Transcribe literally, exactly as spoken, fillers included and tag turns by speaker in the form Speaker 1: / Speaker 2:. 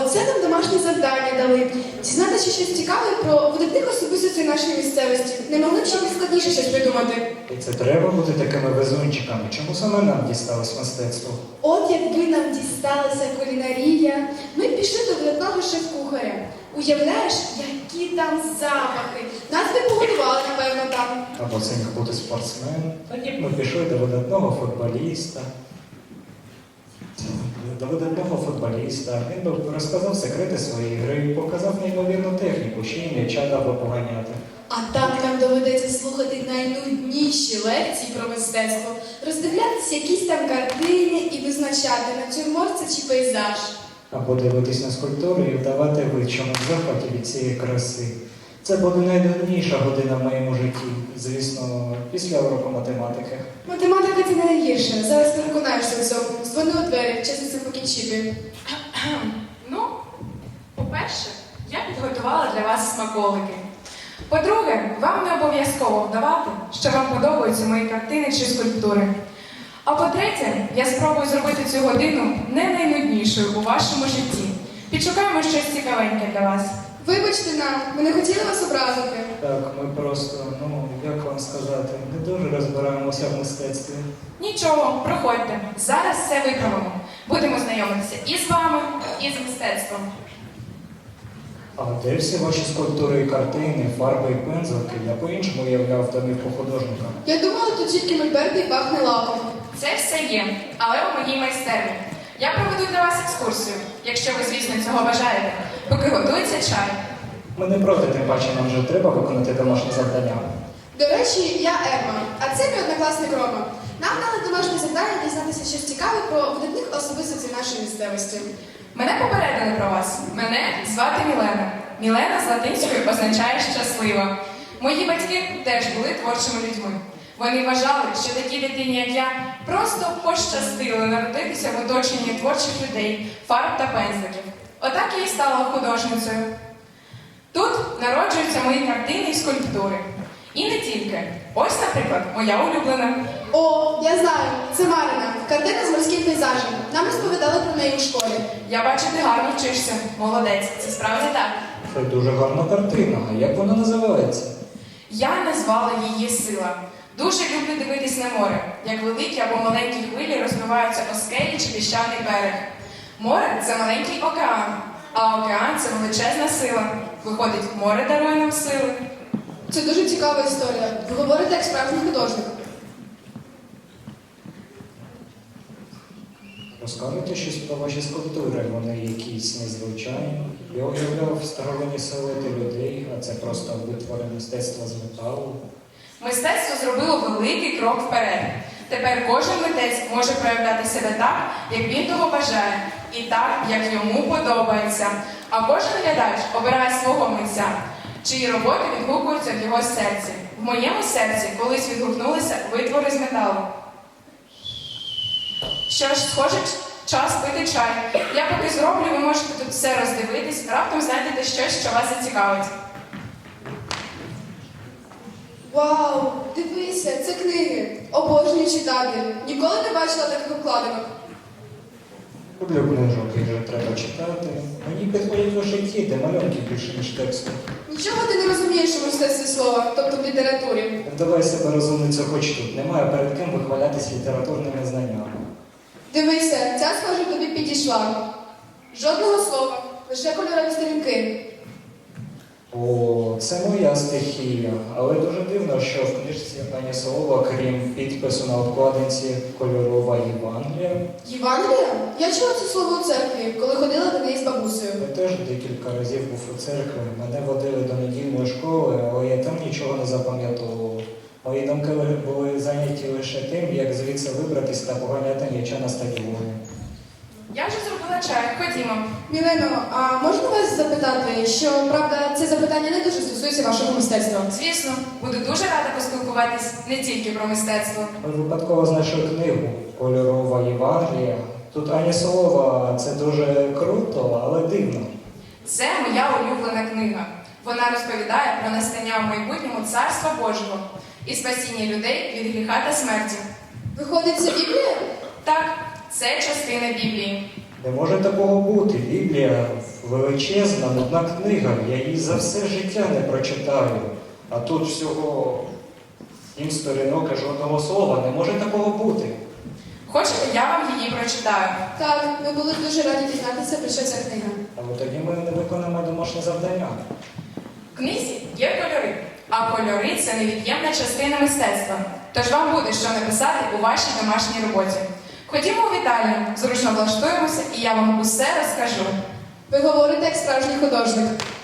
Speaker 1: оце нам домашнє завдання дали. Дізнатися щось цікаве про видатних особистостей нашої місцевості. Не могли б ще складніше щось придумати.
Speaker 2: І це треба бути такими везунчиками. Чому саме нам дісталось мистецтво?
Speaker 1: От якби нам дісталася кулінарія, ми б пішли до видатного шеф-кухаря. Уявляєш, які там запахи. Нас би погодували, напевно, там.
Speaker 2: Або це міг бути спортсмен. Тоді б ми пішли до видатного футболіста. До видатного футболіста. Він би розказав секрети своєї гри, показав неймовірну техніку, ще й м'яча дав би поганяти.
Speaker 1: А так нам доведеться слухати найнудніші лекції про мистецтво, роздивлятися якісь там картини і визначати, натюрморт це чи пейзаж.
Speaker 2: Або дивитись на скульптури і вдавати вид, що ми в захваті від цієї краси. Це буде найдавніша година в моєму житті, звісно, після уроку математики.
Speaker 1: Математика це не найгірше. Зараз переконаєшся в цьому. Дзвони у двері, чесно це покінчити.
Speaker 3: Ну, по-перше, я підготувала для вас смаколики. По-друге, вам не обов'язково вдавати, що вам подобаються мої картини чи скульптури. А по-третє, я спробую зробити цю годину не найнуднішою у вашому житті. Підшукаємо щось цікавеньке для вас.
Speaker 1: Вибачте нам, ми не хотіли вас образити.
Speaker 2: Так, ми просто, ну, як вам сказати, не дуже розбираємося в мистецтві.
Speaker 3: Нічого, проходьте. Зараз все виправимо. Будемо знайомитися і з вами, і з мистецтвом.
Speaker 2: А де всі ваші скульптури і картини, фарби і пензлики? Я по-іншому уявляв домівку художника.
Speaker 1: Я думала, тут тільки мольберти і пахне лаком.
Speaker 3: Це все є, але у моїй майстерні. Я проведу для вас екскурсію, якщо ви, звісно, цього бажаєте, поки готується чай.
Speaker 2: Ми не проти, тим паче нам вже треба виконати домашнє завдання.
Speaker 1: До речі, я Ерма, а це мій однокласник Рома. Нам дали домашнє завдання дізнатися щось цікаве про видатних особистостей нашої місцевості.
Speaker 3: Мене попередили про вас. Мене звати Мілена. Мілена з латинської означає «щаслива». Мої батьки теж були творчими людьми. Вони вважали, що такій дитині, як я, просто пощастило народитися в оточенні творчих людей, фарб та пензликів. Отак я і стала художницею. Тут народжуються мої картини і скульптури. І не тільки. Ось, наприклад, моя улюблена.
Speaker 1: О, я знаю, це Марина, картина з морським пейзажем. Нам розповідали про неї у школі.
Speaker 3: Я бачу, ти гарно вчишся. Молодець, це справді так.
Speaker 2: Це дуже гарна картина. А як вона називається?
Speaker 3: Я назвала її «Сила». Дуже люблю дивитись на море, як великі або маленькі хвилі розбиваються о скелі чи піщаний берег. Море – це маленький океан, а океан – це величезна сила. Виходить, море дарує нам сили.
Speaker 1: Це дуже цікава історія. Ви говорите як справжній художник.
Speaker 2: Розкажете щось про ваші скульптури, вони якісь незвичайні. Я уявляв старовинні силуети людей, а це просто витвори мистецтва з металу.
Speaker 3: Мистецтво зробило великий крок вперед. Тепер кожен митець може проявляти себе так, як він того бажає, і так, як йому подобається. А кожен глядач обирає свого митця, чиї роботи відгукуються в його серці. В моєму серці колись відгукнулися витвори з металу. Що ж, схоже, час пити чай. Я поки зроблю, ви можете тут все роздивитись, раптом знайдете щось, що вас зацікавить.
Speaker 1: Вау, дивися, це книги. Обожнюю читати. Ніколи не бачила таких обкладинок.
Speaker 2: Люблю книжок, їх вже треба читати. Мені підходять лише ті, де малюнки більше, ніж тексту.
Speaker 1: Нічого ти не розумієш у мистецтві слова, тобто в літературі.
Speaker 2: Давай себе розумницю хоч тут. Немає перед ким вихвалятись літературними знаннями.
Speaker 1: Дивися, ця, схоже, тобі підійшла. Жодного слова, лише кольорові сторінки.
Speaker 2: О, це моя стихія. Але дуже дивно, що в книжці ані слова, крім підпису на обкладинці кольорова Євангелія.
Speaker 1: Євангелія? Я чула це слово у церкві, коли ходила до неї з бабусею.
Speaker 2: Я теж декілька разів був у церкві. Мене водили до недільної школи, але я там нічого не запам'ятовував. Мої думки були зайняті лише тим, як звідси вибратись та поганяти м'яча на стадіоні.
Speaker 3: Я вже зробила чай, ходімо.
Speaker 1: Мілено, а можна вас запитати, що, правда, це запитання не дуже стосується вашого мистецтва?
Speaker 3: Звісно, буду дуже рада поспілкуватись не тільки про мистецтво.
Speaker 2: Ми випадково знайшли книгу «Кольорова Євангелія». Тут ані слова, це дуже круто, але дивно.
Speaker 3: Це моя улюблена книга. Вона розповідає про настання в майбутньому Царства Божого і спасіння людей від гріха та смерті.
Speaker 1: Виходить, це Біблія?
Speaker 3: Так, це частина Біблії.
Speaker 2: Не може такого бути. Біблія величезна, нудна книга. Я її за все життя не прочитаю. А тут всього сім сторінок і жодного слова. Не може такого бути.
Speaker 3: Хочете, я вам її прочитаю?
Speaker 1: Так, ми були б дуже раді дізнатися, про що ця книга.
Speaker 2: Але тоді ми не виконаємо домашнє завдання.
Speaker 3: В книзі є кольори, а кольори це невід'ємна частина мистецтва. Тож вам буде що написати у вашій домашній роботі. Ходімо у вітальню, зручно влаштуємося, і я вам усе розкажу.
Speaker 1: Ви говорите як справжній художник.